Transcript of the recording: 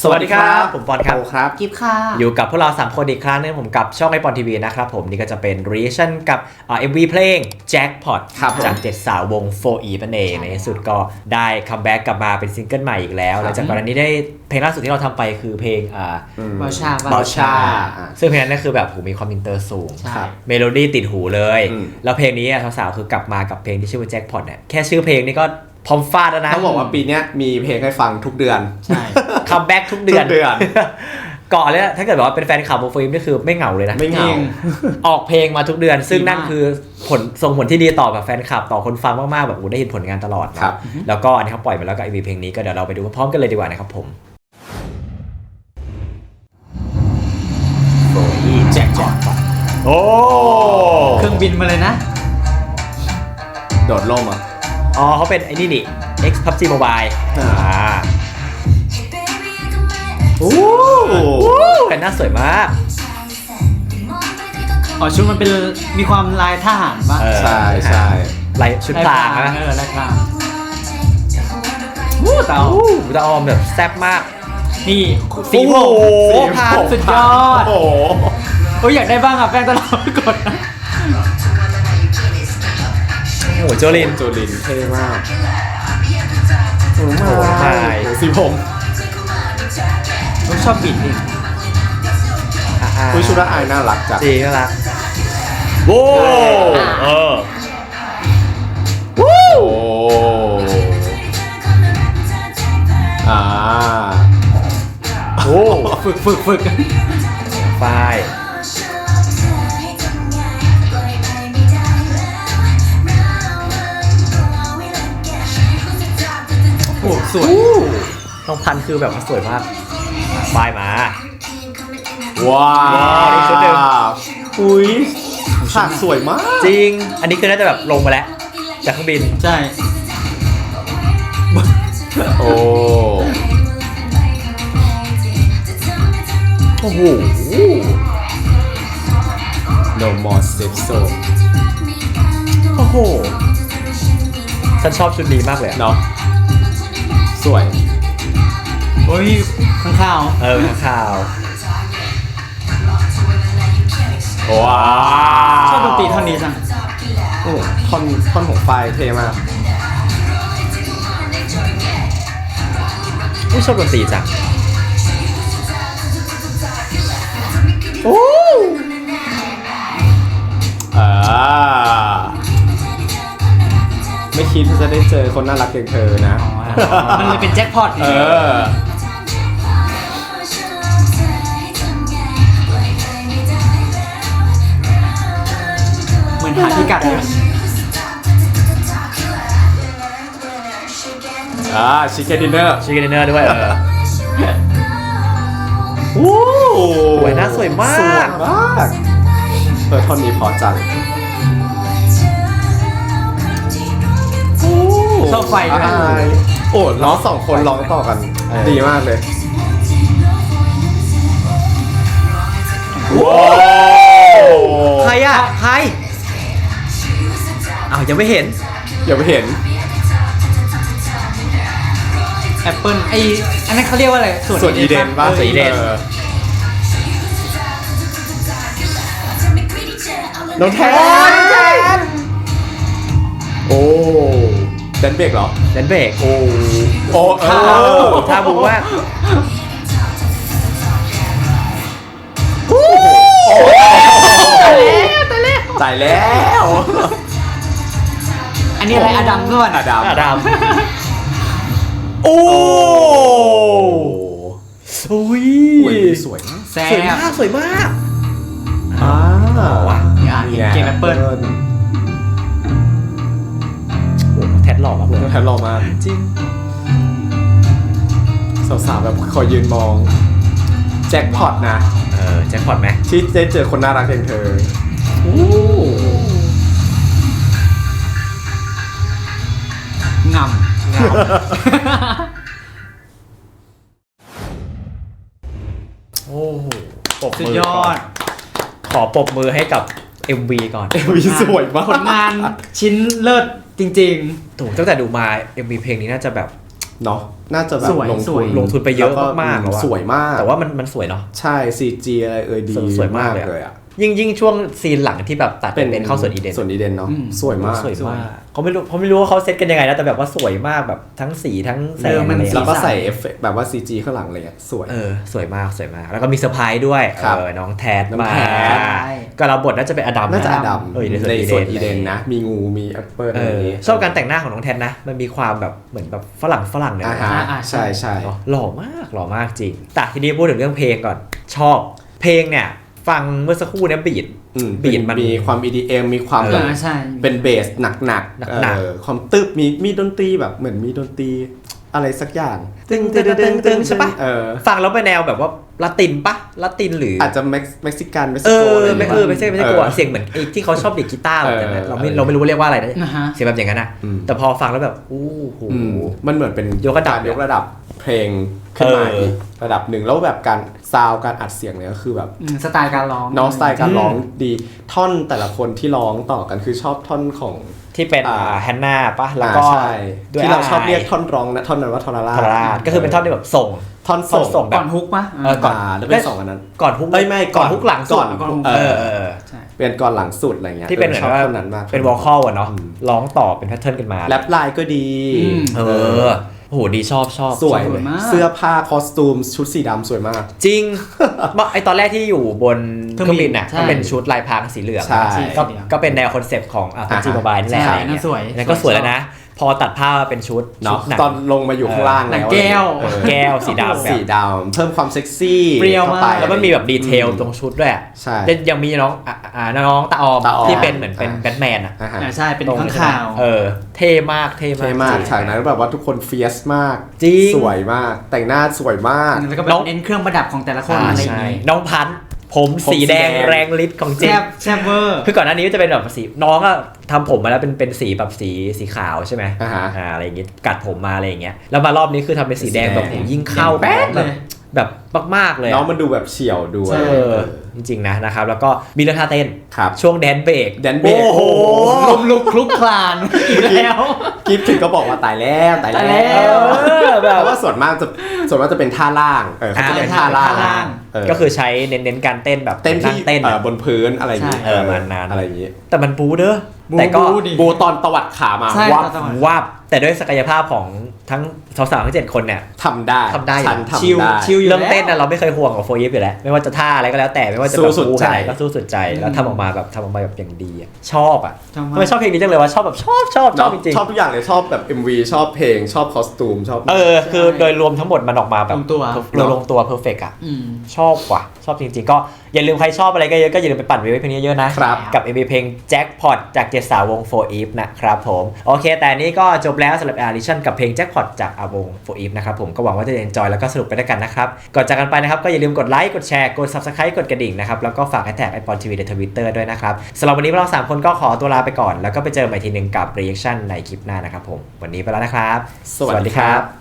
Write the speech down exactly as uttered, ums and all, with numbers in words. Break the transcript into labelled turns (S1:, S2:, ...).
S1: สวัสดีครับผมปอนครับ
S2: ครับ
S3: กิฟค่ะ
S1: อยู่กับพวกเราสามคนอีกครั้งนึงผมกับช่องไอปอนทีวีนะครับผมนี่ก็จะเป็น reaction กับเอ็มวีเพลง Jackpot จากเจ็ดสาววง โฟร์ อี นั่นเองในที่สุดก็ได้คัมแบ็กกลับมาเป็นซิงเกิลใหม่อีกแล้วหลังจากก่อนหน้านี้ได้เพลงล่าสุดที่เราทำไปคือเพลงอ่า
S3: บาชา
S1: บาชาซึ่งเพลงนั้นคือแบบผมมีความอินเตอร์สูง
S3: ครับ
S1: เมโลดี้ติดหูเลยแล้วเพลงนี้สาวๆคือกลับมากับเพลงที่ชื่อว่า Jackpot เนี่ยแค่ชื่อเพลงนี่ก็พร้อมฟาดแล้วนะ
S2: ต้องบอกว่าปีนี้มีเพลงให้ฟังทุกเดือน
S3: ใช่
S1: คัมแบ็กทุกเดือน
S2: ทุกเดือน
S1: ก่อนเลยถ้าเกิดว่าเป็นแฟนคลับโมฟิล์มนี่คือไม่เหงาเลยนะ
S2: ไม่เหงา
S1: ออกเพลงมาทุกเดือนซึ่งนั่นคือผลส่งผลที่ดีต่อแบบแฟนคลับต่อคนฟังมากๆแบบโอ้ได้เห็นผลงานตลอดครับแล้วก็อันนี้เขาปล่อยมาแล้วกับ เอ็ม วี เพลงนี้ก็เดี๋ยวเราไปดูพร้อมกันเลยดีกว่านะครับผมโอ้ยแจ็คพอตโอ้
S3: เครื่องบินมาเลยนะ
S2: โดดร่มอ่ะ
S1: อ๋อเขาเป็นไอ้นี่นี่ X พับจี Mobile อ่า
S2: โอ้
S1: แต่หน้าสวยมาก
S3: อ๋อชุดมันเป็นมีความลายทหารป่ะ
S2: ใช่ใช่
S1: ลายชุดพรางนะ
S3: เออลายพรางวู้เต๋า
S1: ตาออมแบบแซ่บมาก
S3: นี่สี
S1: โอ้
S3: ผ
S1: โห
S3: มสี
S1: ผ่าน
S3: สุดยอด
S2: โอ้โห
S3: โอ้ยอยากได้บ้างอ่ะแป้งตลอดกดนะ
S1: โอ้โหโจลิน
S2: โจลินเท่มาก
S1: โอ้โหไม่
S2: สีผม
S3: ผมชอบบิดนี่
S2: คุยชุดละอายน่ารักจัง
S1: จริงน่ารักโว้เออ
S2: โอ้อ่า
S1: โอ้
S3: ฝึกฝึกฝึก
S1: ฝ้าย
S3: โอ้สวย
S1: น้องพันธุ์คือแบบว่าสวยมากฝ้ายมา
S2: ว้า
S1: ว้าวนี่ชุดหนึ่ง
S2: อุ้ยฉากสวยมาก
S1: จริง อันนี้คือน่าจะแบบลงมาแล้วจากเครื่องบิน
S3: ใช่
S2: โอ้
S1: โอ้โห
S2: no more safe zone
S1: โอ้โหฉันชอบชุดนี้มากเลยอะ
S2: เนาะสวย
S3: โอ้ยข้างข้าว
S1: เออข้างข่าว
S2: ว้า
S3: ชอบดนตรีเท่านี้จัง
S2: โอ้ท่อนท่อนของไฟเท่มาก
S1: อุ้ยชอบดนตรีจังโอ้
S2: อ่าไม่คิดว่าจะได้เจอคนน่ารักอย่างเธอนะ
S3: มันเลยเป็นแจ็คพอต
S2: เออ
S3: เหมือนหาพิกัดเลย
S2: อ่าชิคเก้นดินเนอร์
S1: ชิคเก้นดินเนอร์ด้วยเออ
S2: โอ้
S1: สวยนะสวยมาก
S2: สวยมากเออท่อนนี้พอจัง
S3: ชอบไฟด้วย
S2: อ่าโอ้ร้องสองคนร้องต่อกัน
S1: เออ
S2: ดีมากเลย
S1: ว้าวใครอ่ะใครอ้าวยังไม่เห็น
S2: อย่าไปเห็น
S3: แอปเปิลไออันนั้นเขาเรียกว่าอะไร
S2: ส่วนอีเดนป่ะ
S1: ส่วนอีเดน
S2: ออน้องแทนโอ้แดนเบรกเหรอ
S1: แดนเบรกโอ้
S2: โอ้เออ
S1: ท่าบูมาก
S2: ตายแล้ว
S3: อันนี้อะไรอดัมก่อน
S2: อดัม
S1: อดัมโอ้โอ้ย
S2: อุ้ยสวยมาก
S3: แซ่
S1: สวย
S3: บ
S1: มากสวยมาก
S2: อ่า
S1: ว่ะ
S3: อ่ะเห็นเกมแอปเปิล
S1: โอ้แท็ดหล่อมากเลย
S2: แทนรอมาก
S1: จริง
S2: สาวๆแบบคอยยืนมองแจ็คพอตนะ
S1: เออแจ็คพอตไหม
S2: ที่ได้เจอคนน่ารักอย่างเธอโอ้
S3: งำ
S1: โอ้โหปรบ
S3: สุด
S1: มือย
S3: อ
S1: ก่อน
S3: ด
S1: ขอปรบมือให้กับ เอ็ม วี ก่อน
S2: เอ็ม วี สวยมาก
S3: ผลงานชิ้นเลิศจริง
S1: ถูกตั้งแต่ดูมา เอ็ม วี เพลงนี้น่าจะแบบ
S2: เนาะน่าจะแบบ
S3: สวย
S2: ลง
S3: ส
S2: ทุ
S3: วย
S2: น
S1: ลงทุนไปเยอะ
S2: แล้ว
S1: มากๆแล้วอะ
S2: สวยมาก
S1: แต่ว่ามันมันสวยเนาะ
S2: ใช่ ซี จี อะไรเอ่ยดี
S1: สวยมากเลย
S2: เลยอ่ะ
S1: ยิ่งยิ่งช่วงซีนหลังที่แบบตัดเป็นเป็นเข้าสวนอีเดน
S2: สวนอีเดนเนาะ
S3: อืม
S2: สวยมาก
S1: สวยมากเขาไม่รู้เขาไม่รู้ว่าเขาเซตกันยังไงนะแต่แบบว่าสวยมากแบบทั้งสีทั้งแส
S3: เอง อมัน
S1: อะไร
S2: แล้วก็
S1: เงี้ย
S2: ใส่เอฟเฟกต์แบบว่า ซี จี ข้างหลังเลยอ่ะสวย
S1: เออสวยมากสวยมาก แล้วก็มีเซอร์ไพรส์ด้วย
S2: ครับ
S1: เออน้องแทด
S2: น้อง
S1: มา
S2: แทด
S1: ก็เราบทน่าจะเป็นอดัม
S2: น่าจะอดัม
S1: เอออยู่ใน
S2: ใน
S1: ส
S2: ส
S1: ว
S2: วน น
S1: อี
S2: อี
S1: เด
S2: เด
S1: น
S2: นนะ มีงูมีแอปเปิล
S1: เอ
S2: อะไรอย่าง
S1: อ
S2: งี้
S1: ชอบการแต่งหน้าของน้องแทดนะ มันมีความแบบเหมือนแบบฝรั่งฝรั่งเนี่ย
S2: อ่าฮะ
S3: อ่า
S2: ใช่ใช่
S1: เนอะหล่อมากหล่อมากจริงแต่ทีนี้พูดถึงเรื่องเพลงก่อนชอบเพลงเนี่ยฟังเมื่อสักครู่เนี่ยบีด
S2: อืม
S1: บีทมัน
S2: มีความ อี ดี เอ็ม มีความ
S1: เออ
S2: แบบ
S3: อ่าใช่
S2: เป็นเบสหนักๆ
S1: หนักๆ
S2: เออความตึบมีมีดนตรีแบบเหมือนมีดนตรีอะไรสักอย่าง
S1: ตึงตึงตึงตึงใช่ปะ
S2: เออ
S1: ฟังแล้วเป็นแนวแบบว่าละตินปะละตินหรือ
S2: อาจจะเม็กเม็กซิกันเม็ก
S1: เอ
S2: ซิโก
S1: อ
S2: อะไรอย่าง
S1: ไม่
S2: เงี้ย
S1: เออไม่ใช่ไม่ใช่กลัว
S2: ออ
S1: เสียงเหมือนไอ้ที่เขาชอบเด็กกีตาร์แบบนั้นนะ
S2: เออ
S1: เราไม่
S2: เออ
S1: เราไม่รู้ว่าเรียกว่าอะไรนะ
S3: อ่าฮะ
S1: เสียงแบบอย่างนั้นอะ
S2: อืม
S1: แต่พอฟังแล้วแบบอู้หู
S2: อืมมันเหมือนเป็น
S1: ยกระดับ
S2: กายกระดับเพลงขึ้นมา
S1: เอออี
S2: อีกระดับหนึ่งแล้วแบบการซาวด์การอัดเสียงเนี่ยก็คือแบบ
S3: อืมสไตล์การร้อง
S2: น้องสไตล์การร้องดีท่อนแต่ละคนที่ร้องต่อกันคือชอบท่อนของ
S1: ที่เป็น
S2: อ่า
S1: แฮนนาปะแล้วก็
S2: อ่าใช่
S1: ด้วย
S2: ที่เราชอบ
S1: ไ
S2: เรียกท่อนร้องนะท่อนนั้นว่าทอรารา
S1: ทาราก็คือเป็นท่อนที่แบบส่ง
S2: ท่อน
S1: ท่อน
S2: ส่
S1: ส่
S2: ง
S1: งแบ
S3: ก่
S1: บ
S3: อนฮุกปะ
S1: เออก่อน
S2: อ่าแล้วเป็นสองอันนั้น
S1: ก่อนฮุก
S2: เอ้ยไม่
S1: ก่อนฮุกหลังสุด
S2: ก่อน
S1: เออเออ
S3: ใช่
S2: เป็นก่อนหลังสุดอะไรเงี้ย
S1: ที่เป็นเหมือน
S2: ชอบ
S1: ว่า
S2: ท่อนนั้นมาก
S1: เป็นวอลคอลอะเนาะ
S2: อืม
S1: ร้องต่อเป็นแพทเทิร์นกันมา
S2: แรปไลน์ก็ดี
S3: อืม
S1: เออโอ้โหดีชอบชอบ
S2: สวย
S3: สวยมาก
S2: เสื้อผ้าคอสตูมชุดสีดำสวยมาก
S1: จริง ไอตอนแรกที่อยู่บนเครื่องบินน่ะ
S3: ใช่
S1: ก็เป็นชุดลายพรางสีเหลือง
S2: ใช่
S1: ก็ก็เป็นแนวคอนเซปต์ของอ่ะพับจี
S2: อ่าฮะ
S1: โมบายนี่แหละ
S3: ใช่
S1: อะไรเงี้
S3: นั่นสวย
S1: นั่นก็สวยแล้วนะ พอตัดผ้ามาเป็นชุดชุ
S2: เนาะ
S1: ดหนัง
S2: ตอนลงมาอยู่ข้างล่าง
S3: หนั
S2: แล้
S3: ง
S2: ว
S3: แก้ว
S2: เออ
S1: แก้วสีดำแบบ
S2: สีดำเพิ่มความเซ็กซี่
S3: เปรี้ยวมาก
S2: ข้ไป
S1: แล้วมันมีแบบดีเทลตรงชุดด้วยอะ
S2: ใช่
S1: แล้วยังมีน้องอ่ะอ่าน้องตาออม
S2: ตาออม
S1: ที่เป็นเหมือนเป็น
S2: อ่า
S1: แบทแมนอ่ะ
S2: อ่าฮะ
S3: อ่าใช่เป็น
S1: ตรง
S3: ข้าง
S1: ใช่ไหม
S3: ข่าว
S1: เออเท่มากเท่มาก
S2: เท่มาก
S1: จริง
S2: ฉากนั้นแบบว่าทุกคนเฟียสมาก
S1: จริง
S2: สวยมาก แต่งหน้าสวยมาก
S3: แล้วก็แบ
S1: น้
S3: บ
S1: อง
S3: เน้นเครื่องประดับของแต่ละคน
S1: อ่า
S3: อะไรอย่าง
S1: ใช่
S3: งี้
S1: น้องพันธุ์ผม
S2: ผม
S1: สีแดง
S2: สีแดง
S1: แรงฤทธิ์ของจริ
S3: แซ่
S1: ง
S3: บแซ่บเวอร์
S1: คือก่อนหน้านี้ก็จะเป็นแบบสีน้องก็ทำผมมาแล้วเป็นเป็นสีแบบสีสีขาวใช่ไหม
S2: อ่าฮะ
S1: อ่าอะไรอย่างงี้กัดผมมาอะไรอย่างเงี้ยแล้วมารอบนี้คือทำเป็นสีแดงแบบ
S2: สีแดง
S1: โหยิ่งเข้า
S3: แป๊ด
S1: แบบ
S3: เลย
S1: แบบมากๆเลย
S2: น้อง
S1: อะ
S2: มันดูแบบเฉียวดู
S1: เออจริงๆนะนะครับแล้วก็มีเรื่องท่าเต้น
S2: ครับ
S1: ช่วงแดนเบรก
S2: แดนเบรก
S1: โอ้โห
S3: ลุกลุกคลุกคลานอีกแล้ว
S2: กิฟถึงก็บอกว่าตายแล้วตาย
S3: ตาย
S2: แล้
S3: แล้ว ว
S1: เออแบ
S2: เพ
S1: บ
S2: ราะว่าส่วนมากจะส่วนมากจะเป็นท่าล่างเออเขาจะเป็น
S1: อ่า
S2: ท่าล่าง
S3: ท่าล่าง
S2: เออ
S1: ก็คือใช้เน้นๆการเต้นแบบ
S2: เต้นที่
S1: งเต้น
S2: เอ่
S1: อะ
S2: อบนพื้นอะไรอย่างงี้
S3: ใช่
S1: เออประมาณนั้น
S2: อะไรอย่างงี้
S1: แต่มันบูเด้อ
S3: บู
S1: แต่ก็
S3: บูดิ
S2: บูตอนตวัดขามา
S3: ใช่
S2: วับ
S3: ตอนตวัด
S1: ว่าบแต่ด้วยศักยภาพของทั้งสาวๆทั้งเจ็ดคนเนี่ย
S2: ทำได้
S1: ทำได้
S2: ฉัน
S3: ชิล
S2: ทำได้
S3: ชิล อยู่
S1: เรื่อง
S3: แล้ว
S1: เต้นน่ะเราไม่เคยห่วงกับโฟยิปอยู่แล้วไม่ว่าจะท่าอะไรก็แล้วแต่ไม่ว่าจะ
S2: สู้
S1: แบบ
S2: สุด
S1: บู
S2: ใจ
S1: ขนาดไหนก็สู้สุดใจแล้วทำออกมาแบบทำออกมาแบบอย่างดีอะชอบอ่ะ
S3: ชอบมาก
S1: ทำไมชอบเพลงนี้จังเลยว่าชอบแบบชอบชอบชอบจริง
S2: ชอบทุกอย่างเลยชอบแบบ เอ็ม วี ชอบเพลงชอบคอสตูมชอบ
S1: ๆเออคือโดยรวมทั้งหมดมันออกมาแบบ
S3: ลงตัว
S1: โดยลงตัวเพอร์เฟกต์อ่ะ
S3: อืม
S1: ชอบว่ะชอบจริงๆก็อย่าลืมใครชอบอะไรก็เยอะก็อย่าลืมไปปั่นวิวเพลงนี้เยอะนะครับ กับ เอ็ม วี เพลง Jackpot จากเจ็ดสาววง โฟร์ Eve นะครับผมโอเคแต่อันนี้ก็จบแล้วสำหรับ Edition กับเพลง Jackpot จากอาวง โฟร์ Eve นะครับผมก็หวังว่าจะ enjoy แล้วก็สนุกไปด้วยกันนะครับก่อนจากกันไปนะครับก็อย่าลืมกดไลค์กดแชร์กด Subscribe กดกระดิ่งนะครับแล้วก็ฝากแท็กไอปอนทีวีใน Twitter ด้วยนะครับสำหรับวันนี้พวกเราสามคนก็ขอตัวลาไปก่อนแล้วก็ไปเจอกันใหม่ทีหนึงกับ Reaction ในคลิปหน้านะครับผมวันนี้ไปแล้วนะครับ
S2: สวัสดีครับ